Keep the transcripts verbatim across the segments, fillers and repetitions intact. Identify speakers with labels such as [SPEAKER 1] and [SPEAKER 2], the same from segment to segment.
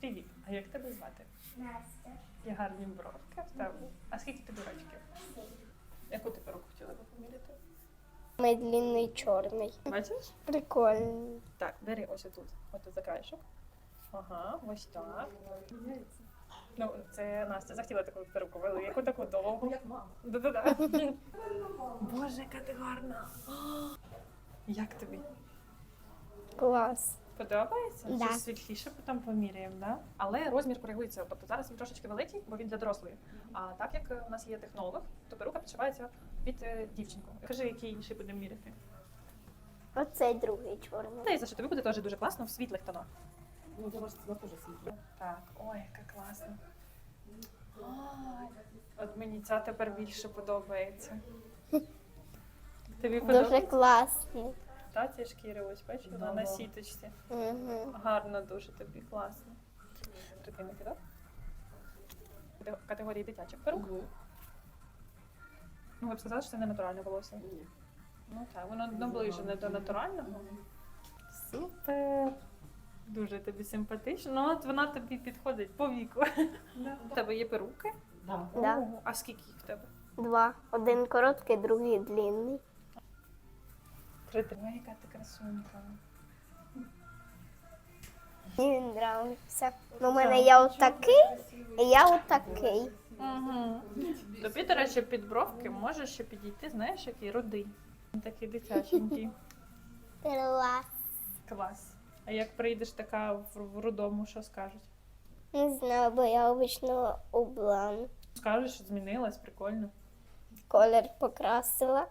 [SPEAKER 1] Привіт, а як тебе звати?
[SPEAKER 2] Настя.
[SPEAKER 1] Є гарні бровки в тебе. А скільки тобі рочків? Яку ти перуку хотіла би поміряти?
[SPEAKER 2] Мій длинний чорний.
[SPEAKER 1] Бачиш?
[SPEAKER 2] Прикольний.
[SPEAKER 1] Так, бери ось отут. Ось тут за краєшок. Ага, ось так. Ну, це Настя захотіла таку перуку велику, таку довгу. Як мама. Да-да-да. Боже, яка ти гарна. Як тобі?
[SPEAKER 2] Клас.
[SPEAKER 1] Подобається?
[SPEAKER 2] Да.
[SPEAKER 1] Чи світліше потім поміряємо, да? Але розмір коригується. Тобто зараз він трошечки великий, бо він для дорослої. А так як у нас є технолог, то перука підшивається під е, дівчинку. Кажи, який інший будемо міряти.
[SPEAKER 2] Оцей другий чорний.
[SPEAKER 1] Та й за що тобі буде теж дуже класно в світлих тонах.
[SPEAKER 3] Ну, для вас це теж світло.
[SPEAKER 1] Так, ой, яка класна. Ой, от мені ця тепер більше подобається. Тобі
[SPEAKER 2] Дуже
[SPEAKER 1] подобається?
[SPEAKER 2] класний.
[SPEAKER 1] Та ці шкіри, ось бачиш, вона
[SPEAKER 3] Да,
[SPEAKER 1] на
[SPEAKER 3] да.
[SPEAKER 1] сіточці.
[SPEAKER 2] Угу.
[SPEAKER 1] Гарно дуже тобі, класно. Тобі не кидав? Катего- Категорії дитячих перук.
[SPEAKER 3] Угу.
[SPEAKER 1] Ну, ви б сказали, що це не натуральне волосся.
[SPEAKER 3] Ні.
[SPEAKER 1] Ну так, воно наближене до натурального. Супер! Дуже тобі симпатично. Ну, от вона тобі підходить по віку. У тебе є перуки?
[SPEAKER 3] Да.
[SPEAKER 2] Да.
[SPEAKER 1] Ого, а скільки їх в тебе?
[SPEAKER 2] Два. Один короткий, другий длинний.
[SPEAKER 1] Ой, яка ти красунька.
[SPEAKER 2] Мені він подобається. Ну, у мене є отакий, і я отакий.
[SPEAKER 1] Угу. Тобі, до речі, під бровки може ще підійти, знаєш, який рудий. Він такий дитяченький.
[SPEAKER 2] Клас.
[SPEAKER 1] Клас. А як прийдеш така в, в рудому, що скажуть?
[SPEAKER 2] Не знаю, бо я обично облан.
[SPEAKER 1] Скажеш, що змінилась, прикольно.
[SPEAKER 2] Колір покрасила.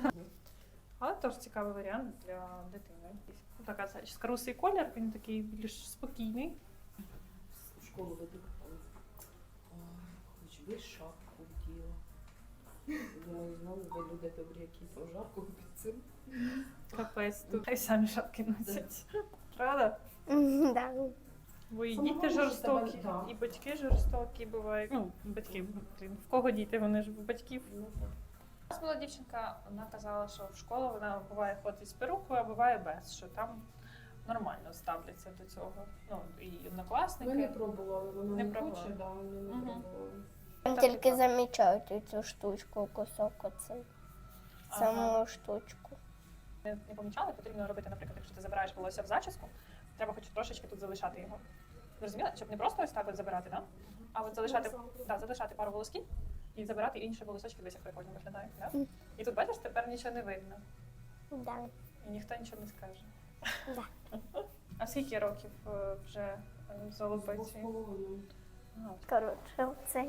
[SPEAKER 1] Але теж цікавий варіант для дитини. Ну, така зачіска. Русий колір, він такий більш спокійний.
[SPEAKER 3] В школу веду. Ой, хоч би шапку вділа. Думаю, знову ви люди добрі, які то жарко під цим.
[SPEAKER 1] Капець, тут хай самі шапки носять. Правда?
[SPEAKER 2] Мгм, да.
[SPEAKER 1] Бо і
[SPEAKER 3] Сама
[SPEAKER 1] діти
[SPEAKER 3] можеш
[SPEAKER 1] жорстокі,
[SPEAKER 3] себе, да.
[SPEAKER 1] і батьки жорстокі бувають. Ну, батьки, блін, в кого діти, вони ж в батьків.
[SPEAKER 3] Ну,
[SPEAKER 1] У нас була дівчинка, вона казала, що в школу вона буває ходить з перукою, а буває без, що там нормально ставляться до цього. Ну, і однокласники.
[SPEAKER 3] Ми не пробували, вона
[SPEAKER 1] Не
[SPEAKER 3] не,
[SPEAKER 1] пробували.
[SPEAKER 3] хоче, да, ми не
[SPEAKER 1] Мгм.
[SPEAKER 3] пробували.
[SPEAKER 2] Там
[SPEAKER 1] Так,
[SPEAKER 2] тільки
[SPEAKER 1] так.
[SPEAKER 2] замічають цю штучку, кусок оцей.
[SPEAKER 1] Ага.
[SPEAKER 2] Саму штучку.
[SPEAKER 1] Не, не помічали, потрібно робити, наприклад, якщо ти забираєш волосся в зачіску, треба хоч трошечки тут залишати його. Зрозуміла? Щоб не просто ось так от забирати, да? А от залишати, да, залишати пару волосків і забирати інші волосочки, десь як прикольно виглядає. Да?
[SPEAKER 2] Мгм.
[SPEAKER 1] І тут, бачиш, тепер нічого не видно.
[SPEAKER 2] Да.
[SPEAKER 1] І ніхто нічого не скаже.
[SPEAKER 2] Да.
[SPEAKER 1] А скільки років е, вже е,
[SPEAKER 3] Двох з
[SPEAKER 1] золобиці?
[SPEAKER 3] половиною.
[SPEAKER 2] Коротше, оцей.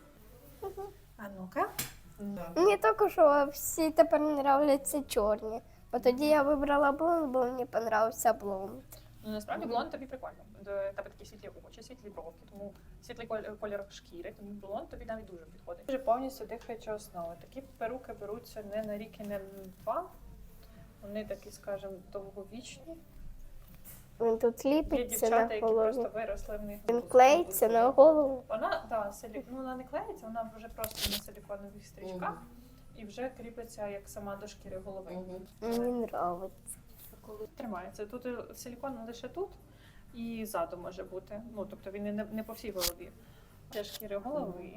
[SPEAKER 1] А ну-ка.
[SPEAKER 3] Да.
[SPEAKER 2] Мені також що всі тепер нравляться чорні. Бо тоді я вибрала блонд, бо мені подобався блонд.
[SPEAKER 1] Ну, насправді блонд тобі прикольно. До тебе такі світлі очі, світлі бровки, тому світлий коль- колір шкіри, тому блонд тобі навіть дуже підходить. Дуже повністю дихаюча основа. Такі перуки беруться не на рік і не на два. Вони такі, скажімо, довговічні.
[SPEAKER 2] Він тут
[SPEAKER 1] Є
[SPEAKER 2] ліпиться
[SPEAKER 1] дівчата,
[SPEAKER 2] на
[SPEAKER 1] які просто
[SPEAKER 2] голову.
[SPEAKER 1] виросли в них.
[SPEAKER 2] Він клеїться на голову.
[SPEAKER 1] Вона, да, силі... ну, вона не клеїться, вона вже просто на силіконових стрічках і вже кріпиться як сама до шкіри голови.
[SPEAKER 3] Мгм.
[SPEAKER 2] Мені подобається.
[SPEAKER 1] Коли тримається. Тут е, силікон лише тут і ззаду може бути. Ну, тобто він не, не по всій голові. Для шкіри голови.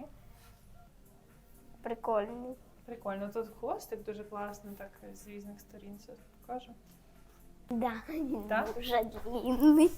[SPEAKER 2] Прикольний.
[SPEAKER 1] Прикольно. Тут хвостик дуже класний, так з різних сторін це покажу.
[SPEAKER 2] Да, він
[SPEAKER 1] Так?
[SPEAKER 2] дуже длинний.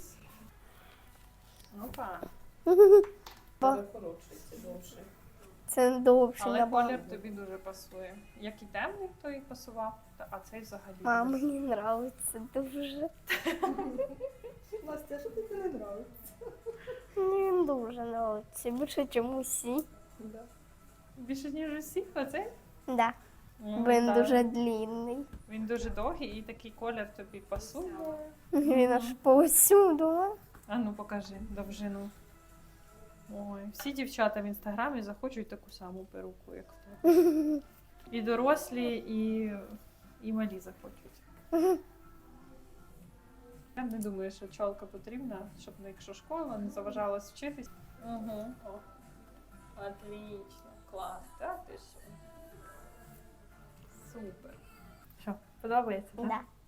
[SPEAKER 1] Опа.
[SPEAKER 3] Але коротший, довше.
[SPEAKER 2] Це довше
[SPEAKER 1] Але
[SPEAKER 2] набагато.
[SPEAKER 1] колір тобі дуже пасує. Як і темний, то і пасував, та- а цей взагалі.
[SPEAKER 2] А мені подобається дуже.
[SPEAKER 3] Настя, що тобі не подобається?
[SPEAKER 2] Мені він дуже подобається. Більше, ніж усі.
[SPEAKER 3] Да.
[SPEAKER 1] Більше, ніж усіх, оцей?
[SPEAKER 2] Да.
[SPEAKER 1] Ну,
[SPEAKER 2] Він
[SPEAKER 1] так.
[SPEAKER 2] дуже длинний.
[SPEAKER 1] Він дуже довгий і такий колір тобі пасує.
[SPEAKER 2] Він аж повсюду.
[SPEAKER 1] А ну покажи довжину. Ой, всі дівчата в інстаграмі захочуть таку саму перуку, як в тебе. І дорослі, і, і малі захочуть. Я не думаю, що чолка потрібна, щоб ну, якщо школа не заважала вчитись. Угу. О. Отлично, клас. Так, ти що? Супер. Що, подобається? так?
[SPEAKER 2] Да.